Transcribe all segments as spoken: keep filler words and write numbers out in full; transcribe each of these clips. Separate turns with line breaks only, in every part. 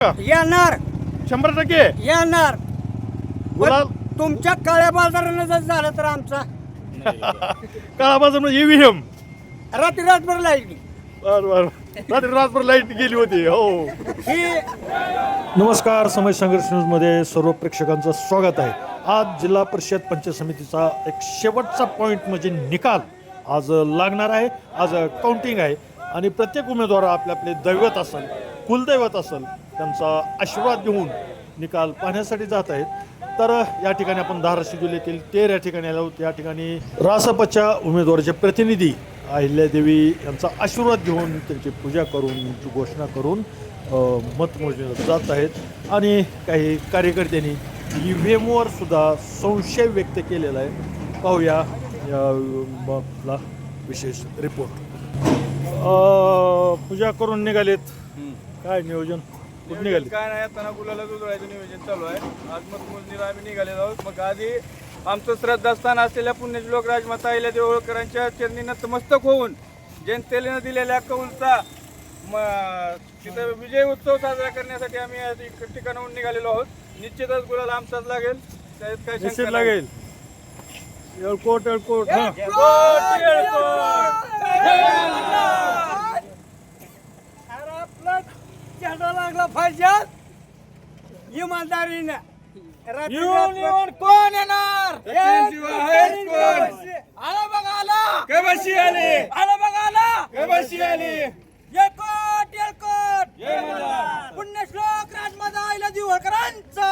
येणार
शंभर टक्के
येणार
गुलाल
पण तुमच्या काळ्या बाजारानं जर झालं तर आमचा
काळा बाजार म्हणजे ईव्हीएम.
रात्री रातभर लाईट
बर बर रात्री रातभर लाईट गेली होती. हो
ही
नमस्कार, समय संघर्ष न्यूजमध्ये सर्व प्रेक्षकांचं स्वागत आहे. आज जिल्हा परिषद पंचायत समितीचा एक शेवटचा पॉईंट म्हणजे निकाल आज लागणार आहे. आज काउंटिंग आहे आणि प्रत्येक उमेदवार आपले आपले दैवत असेल, कुलदैवत असेल, त्यांचा आशीर्वाद घेऊन निकाल पाहण्यासाठी जात आहेत. तर या ठिकाणी आपण धाराशिव जिल्ह्यातील तेर या ठिकाणी आलो आहोत. या ठिकाणी रासपच्या उमेदवाराचे प्रतिनिधी अहिल्यादेवी यांचा आशीर्वाद घेऊन त्यांची पूजा करून त्यांची घोषणा करून मतमोजणीला जात आहेत. आणि काही कार्यकर्त्यांनी ई व्ही एमवर सुद्धा संशय व्यक्त केलेला आहे. पाहूया या आपला विशेष रिपोर्ट. पूजा करून निघालेत, काय नियोजन कुठं निघाले?
काय नाही, आता गुलाला जुळवायचं नियोजन चालू आहे. आज मतमोजणीला आम्ही निघालेलो आहोत. मग आधी आमचं श्रद्धास्थान असलेल्या पुण्यश्लोक राजमाता अहिल्यादेवी होळकरांच्या चरणी नतमस्तक होऊन जनतेने दिलेल्या कौलचा तिथं विजय उत्सव साजरा करण्यासाठी आम्ही एक ठिकाणाहून निघालेलो आहोत. निश्चितच गुलाला आमचाच लागेल, त्यात काय
निश्चित
शंका
लागेल. एळकोट एळकोट
नाही.
हा
येळकोट, येळकोट.
अरे आपला चेहरा लागला पाहिजे इमानदारीने. रात्री
येऊन
रातभर-
येऊन कोण येणार? सचिनशिवाय आहेच कोण?
आला बघा आला
कबशी आली,
आला बघा आला
कबशी आली.
येळकोट येळकोट
जय मल्हार.
पुण्यश्लोक राजमाता अहिल्यादेवी होळकरांचा.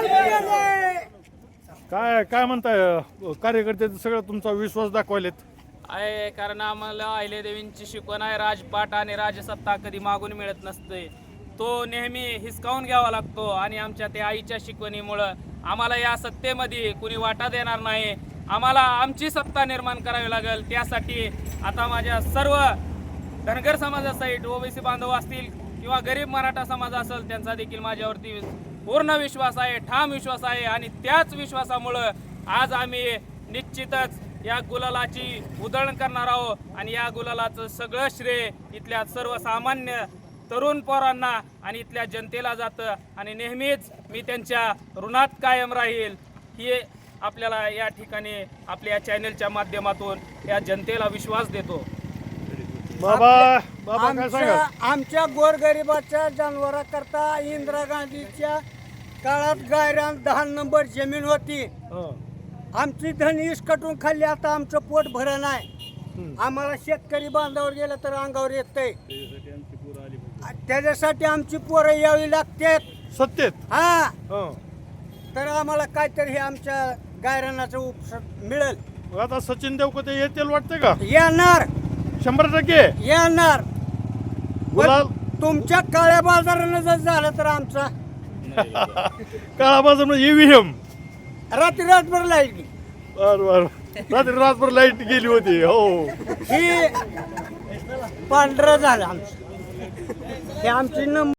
काय काय म्हणताय कार्यकर्ते सगळं तुमचा विश्वास दाखवायलेत?
आहे, कारण आम्हाला अहिल्यादेवींची शिकवण आहे, राजपाट आणि राजसत्ता कधी मागून मिळत नसते, तो नेहमी हिसकावून घ्यावा लागतो. आणि आमच्या त्या आईच्या शिकवणीमुळं आम्हाला या सत्तेमध्ये कुणी वाटा देणार नाही. आम्हाला आमची सत्ता निर्माण करावी लागेल. त्यासाठी आता माझ्या सर्व धनगर समाजासहित ओबीसी बांधव असतील किंवा गरीब मराठा समाज असेल, त्यांचा देखील माझ्यावरती पूर्ण विश्वास आहे, ठाम विश्वास आहे. आणि त्याच विश्वासामुळं आज आम्ही निश्चितच या गुलालाची उधळण करणार आहोत. आणि या गुलालाचं सगळं श्रेय इथल्या सर्वसामान्य तरुण पोरांना आणि इथल्या जनतेला जातं. आणि नेहमीच मी त्यांच्या ऋणात कायम राहील, ही आपल्याला या ठिकाणी आपल्या चॅनलच्या माध्यमातून या जनतेला विश्वास देतो.
बाबा बाबा काय सांगाल?
आमच्या आमच्या गोरगरिबाच्या जनावराकरता इंदिरा गांधीच्या काळात गायरान दहा नंबर जमीन होती.
हं.
आमची धन इसकटून खाल्ली, आता आमचं पोट भरं नाही. आम्हाला शेतकरी बांधावर गेलं तर अंगावर येतंय. त्याच्यासाठी आमची पोरं यावी लागतात.
सत्तेत
हा
हं.
तर आम्हाला काहीतरी हे आमच्या गायरानाचं उपस मिळेल.
मग आता सचिन देवकते येतील वाटते का?
येणार
शंभर टक्के
येणार
गुलाल
पण तुमच्या काळ्या बाजारानं जर झालं तर आमचा
काळा बाजार म्हणजे ईव्हीएम.
रात्री रातभर लाईट
बर बर रात्री रातभर लाईट गेली होती. हो
ही पांढरं झालं आमचं. हे आमची नंबर